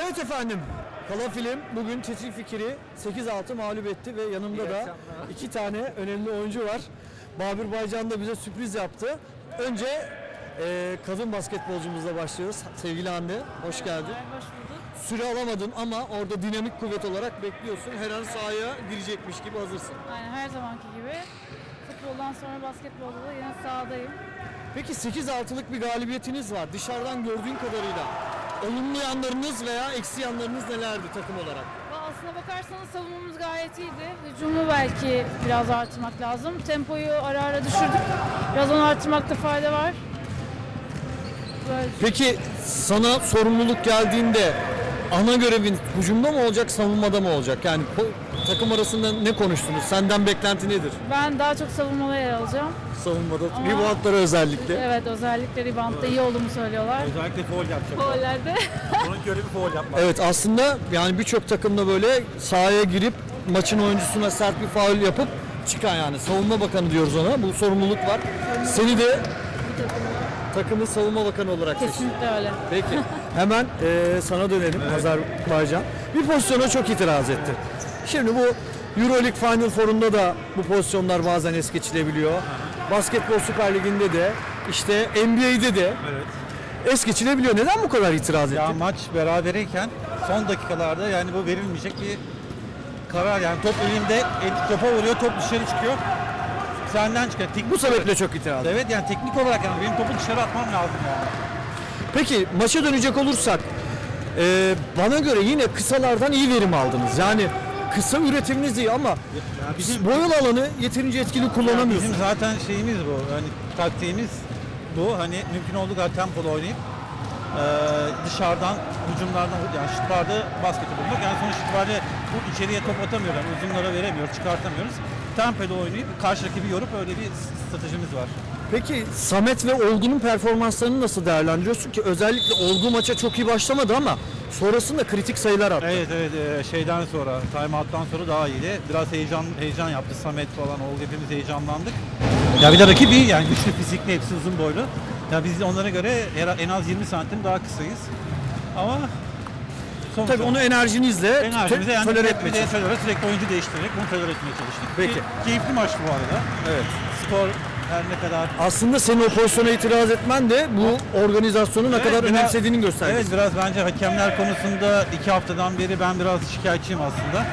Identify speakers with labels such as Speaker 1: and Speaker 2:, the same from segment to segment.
Speaker 1: Evet efendim, Kala Film bugün Çetin Fikir'i 8-6 mağlup etti ve yanımda da iki tane önemli oyuncu var. Babür Baycan da bize sürpriz yaptı. Önce kadın basketbolcumuzla başlıyoruz. Sevgili Hande, hoş geldin.
Speaker 2: Hoş bulduk.
Speaker 1: Süre alamadın ama orada dinamik kuvvet olarak bekliyorsun. Her an sahaya girecekmiş gibi hazırsın.
Speaker 2: Aynen her zamanki gibi. Futboldan sonra basketbolda da yine sahadayım.
Speaker 1: Peki 8-6'lık bir galibiyetiniz var. Dışarıdan gördüğün kadarıyla olumlu yanlarınız veya eksi yanlarınız nelerdi takım olarak?
Speaker 2: Aslına bakarsanız savunmamız gayet iyiydi. Hücumu belki biraz artırmak lazım. Tempoyu ara ara düşürdük. Biraz onu artırmakta fayda var. Böyle.
Speaker 1: Peki sana sorumluluk geldiğinde ana görevin hücumda mı olacak, savunmada mı olacak? Yani takım arasında ne konuştunuz? Senden beklenti nedir?
Speaker 2: Ben daha çok savunmada yer alacağım.
Speaker 1: Savunmada,
Speaker 2: Ama-
Speaker 1: reboundlara özellikle.
Speaker 2: Evet, özellikle reboundda iyi olduğumu söylüyorlar.
Speaker 3: Özellikle foul yapacak.
Speaker 2: Gollerde.
Speaker 3: Onun görevi foul yapmak.
Speaker 1: Evet, aslında yani birçok takımda böyle sahaya girip maçın oyuncusuna sert bir faul yapıp çıkan, yani savunma bakanı diyoruz ona. Bu sorumluluk var. Seni de takımın savunma bakanı olarak seçtim.
Speaker 2: Kesinlikle öyle.
Speaker 1: Peki hemen sana dönelim, Azerbaycan. Bir pozisyona çok itiraz etti. Şimdi bu Euroleague Final Four'unda da bu pozisyonlar bazen es geçilebiliyor. Basketbol Süper Ligi'nde de, işte NBA'de de
Speaker 3: Evet.
Speaker 1: es geçilebiliyor. Neden bu kadar itiraz etti?
Speaker 3: Ya maç berabereyken son dakikalarda yani bu verilmeyecek bir karar, yani top elinde, topa vuruyor, top dışarı çıkıyor. Senden çıkıyor.
Speaker 1: Bu sebeple çok itiraz etti.
Speaker 3: Evet, yani teknik olarak yani benim topu dışarı atmam lazım yani.
Speaker 1: Peki maça dönecek olursak bana göre yine kısalardan iyi verim aldınız. Yani kısa üretiminiz iyi ama
Speaker 3: bizim-
Speaker 1: boyalı alanı yeterince etkili
Speaker 3: Yani
Speaker 1: kullanamıyorsunuz.
Speaker 3: bizim zaten şeyimiz bu. Hani taktiğimiz bu. Hani mümkün olduğu kadar tempolu oynayıp dışarıdan hücumlardan, yani şutlarda basketi bulmak. Yani sonuç itibariyle bu içeriye top atamıyoruz. Yani uzunlara veremiyoruz, çıkartamıyoruz. Tempolu oynayıp karşı rakibi yorup öyle bir stratejimiz var.
Speaker 1: Peki Samet ve Olgun'un performanslarını nasıl değerlendiriyorsun ki? Özellikle Olgu maça çok iyi başlamadı ama sonrasında kritik sayılar attı.
Speaker 3: Evet, şeyden sonra, timeout'tan sonra daha iyiydi. Biraz heyecan yaptı Samet falan, Olgu, hepimiz heyecanlandık. Ya bir de rakibi yani güçlü, fizikli, hepsi uzun boylu. Ya biz onlara göre en az 20 santim daha kısayız. Ama sonuçta
Speaker 1: Tabii onu enerjinizle
Speaker 3: enerjimize yani
Speaker 1: tolere
Speaker 3: sürekli,
Speaker 1: etmeye çalışıyorsunuz.
Speaker 3: sürekli oyuncu değiştirerek bunu tolere etmeye çalıştık.
Speaker 1: Peki.
Speaker 3: Keyifli maçtı bu arada.
Speaker 1: Evet.
Speaker 3: Skor her ne kadar...
Speaker 1: Aslında senin o pozisyona itiraz etmen de bu organizasyonu ne
Speaker 3: Evet,
Speaker 1: kadar
Speaker 3: biraz-
Speaker 1: önemsediğinin göstergesi.
Speaker 3: Evet, biraz bence hakemler konusunda 2 haftadan beri ben biraz şikayetçiyim aslında.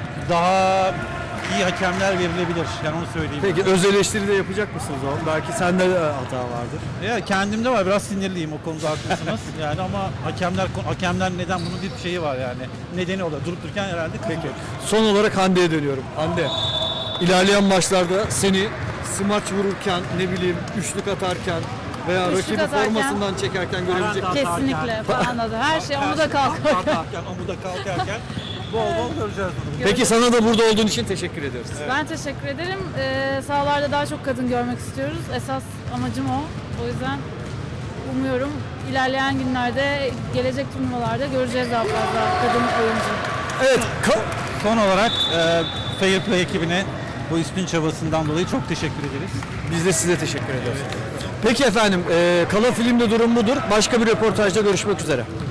Speaker 3: Daha iyi hakemler verilebilir. Yani onu söyleyeyim.
Speaker 1: Peki öz eleştiri de yapacak mısınız o? Belki sende de hata vardır.
Speaker 3: Ya kendimde var, biraz sinirliyim, o konuda haklısınız. Yani ama hakemler neden, bunun bir şeyi var yani. Nedeni oluyor. Durup dururken herhalde kızıyor.
Speaker 1: Peki. Son olarak Hande'ye dönüyorum. Hande, ilerleyen maçlarda seni smaç vururken, ne bileyim üçlük atarken veya
Speaker 2: Üçlük
Speaker 1: rakibi
Speaker 2: atarken-
Speaker 1: formasından çekerken görebilecek.
Speaker 3: Atarken-
Speaker 2: Kesinlikle falan da. Her şey omuda kalkıyor.
Speaker 3: Atarken, omuda kalkarken bol bol göreceğiz bunu.
Speaker 1: Peki sana da burada olduğun için teşekkür ediyoruz.
Speaker 2: Ben teşekkür ederim. Sahalarda daha çok kadın görmek istiyoruz. Esas amacım o. O yüzden umuyorum ilerleyen günlerde, gelecek turnuvalarda göreceğiz daha fazla kadın oyuncu.
Speaker 1: Evet,
Speaker 3: Son olarak Fair Play ekibine bu üstün çabasından dolayı çok teşekkür ederiz.
Speaker 1: biz de size teşekkür ediyoruz. Peki efendim, Kala Film'de durum budur. Başka bir röportajda görüşmek üzere.